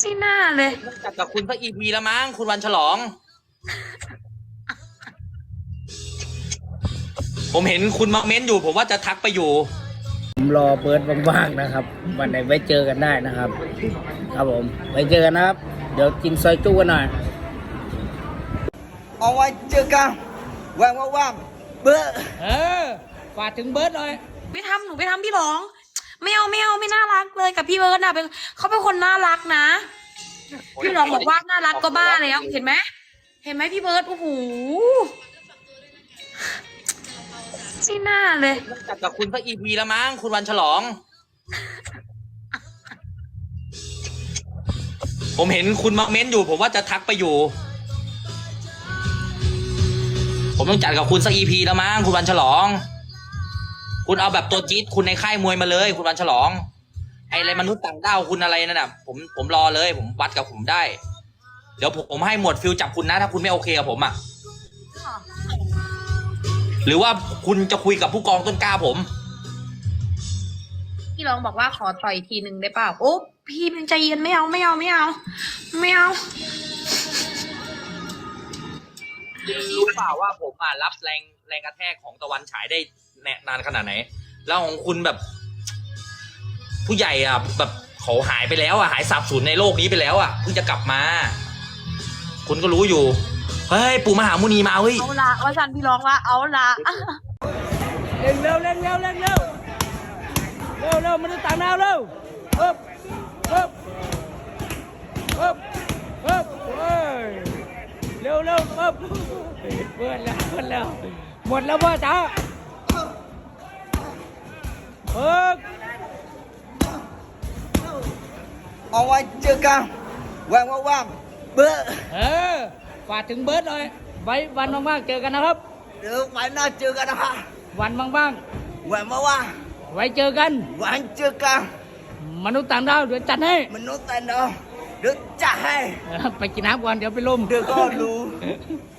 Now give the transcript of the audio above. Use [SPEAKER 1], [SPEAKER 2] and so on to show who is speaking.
[SPEAKER 1] ไม่น่าเลย
[SPEAKER 2] จัดกับคุณสักEPแล้วมั้งคุณวันฉลอง ผมเห็นคุณมาเม้นอยู่ผมว่าจะทักไปอยู่
[SPEAKER 3] ผมรอเบิร์ดว่างๆนะครับวันไหนไว้เจอกันได้นะครับครับผมไว้เจอกันนะครับเดี๋ยวกินซอยจุ้กันหน่อย
[SPEAKER 4] เอาไว้เจอกันว่างเบิร์ด
[SPEAKER 3] ฝากถึงเบิร์ดหน่อย
[SPEAKER 1] หนูไปทำพี่ร้องไม่เอาไม่น่ารักเลยกับพี่เบิร์ดนะเขาเป็นคนน่ารักนะพี่ร้องบอกว่าน่ารักก็บ้าแล้วเห็นไหมพี่เบิร์ดโอ้โหไม่น่าเลย
[SPEAKER 2] จัดกับคุณสักEPแล้วมั้งคุณวันฉลอง ผมเห็นคุณมาเม้นอยู่ผมว่าจะทักไปอยู่ ผมต้องจัดกับคุณสักEPแล้วมั้งคุณวันฉลอง คุณเอาแบบตัวจี๊ดคุณในค่ายมวยมาเลยคุณวันฉลองไออะไรมนุษย์ต่างดาวคุณอะไรนั่นน่ะผมรอเลยผมวัดกับผมได้เดี๋ยวผมให้หมวดฟิลจับคุณนะถ้าคุณไม่โอเคกับผมอ่ะหรือว่าคุณจะคุยกับผู้กองต้นกล้าผม
[SPEAKER 1] พี่ร้องบอกว่าขอต่อยทีหนึ่งได้เปล่าโอ้พี่เป็นใจเย็นไม่เอา
[SPEAKER 2] รู้เปล่าว่าผมรับแรงกระแทกของตะวันฉายได้นานขนาดไหนแล้วของคุณแบบผู้ใหญ่แบบเขาหายไปแล้วหายสาบสูญในโลกนี้ไปแล้วเพิ่งจะกลับมาคุณก็รู้อยู่เฮ้ยปู่มหามุนีมาเฮ้ย
[SPEAKER 1] เอาละว่าฉันพี่ร้องว่าเอาละ
[SPEAKER 3] เร่งเร็วมันจะต่างดาวเร็วเฮ้ยเร็วเปิดแล้วหมดแล้วพ่อจ๋า
[SPEAKER 4] เอาไว้เจอกันว่างเบิร์ด
[SPEAKER 3] ฝากถึงเบิร์ดหน่อยไว้วันว่างๆเจอกันนะครับ
[SPEAKER 4] เดี๋ยวไว้หน้าเจอกันนะคะ
[SPEAKER 3] วันว่าง
[SPEAKER 4] ว่าง
[SPEAKER 3] ไว้เจอกัน
[SPEAKER 4] วันเจอกัน
[SPEAKER 3] มนุษย์ต่างดาวเดี๋ยวจัดให้
[SPEAKER 4] มนุษย์ต่างดาวเดี๋ยวจัดให้
[SPEAKER 3] ไปกินน้ำก่อนเดี๋ยวไปลม
[SPEAKER 4] เดี๋ยวก็รู้